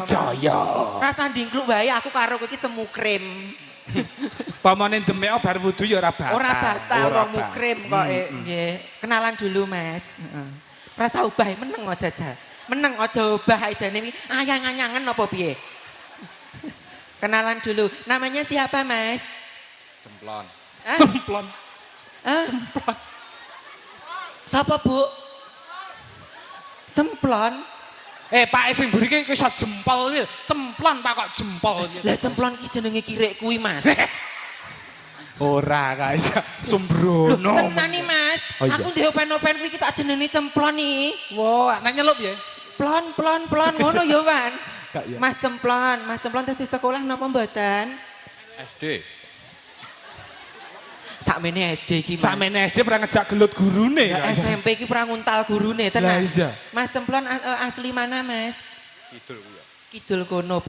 Jaya. Rasa ndingkluk wae aku karo kowe iki semu krim. Pamane demek bar wudu ya ora batal. Ora batal wong mukrim kok nggih. Kenalan dulu Mas. Heeh. Rasa ubah meneng aja jajal. Meneng aja ubah ajane iki ayang-ayangen apa piye? Kenalan dulu. Namanya siapa Mas? Cemplon. Cemplon. Cemplon. Sapa Bu? Cemplon. Pak sing mburi iki iso jempol iki. Cemplon Pak kok jempol iki. Lah cemplon ki jenenge kirek kuwi Mas. Ora guys, sembrono. Tenan nih Mas. Oh, iya. Aku ndek open-open kuwi tak jenenge cemplon iki. Wah, nek nyelup ya. Plon ngono ya Wan. Gak ya. Mas Cemplon tes sekolah napa mboten? SD. Sakmene SD iki Mas. Sakmene SD pernah ngejak gelut gurune Ya, guys. SMP iki pernah nguntal gurune Lah tenan. iya. Mas Cemplon asli mana Mas? Kidul ku ya. Kidul kono.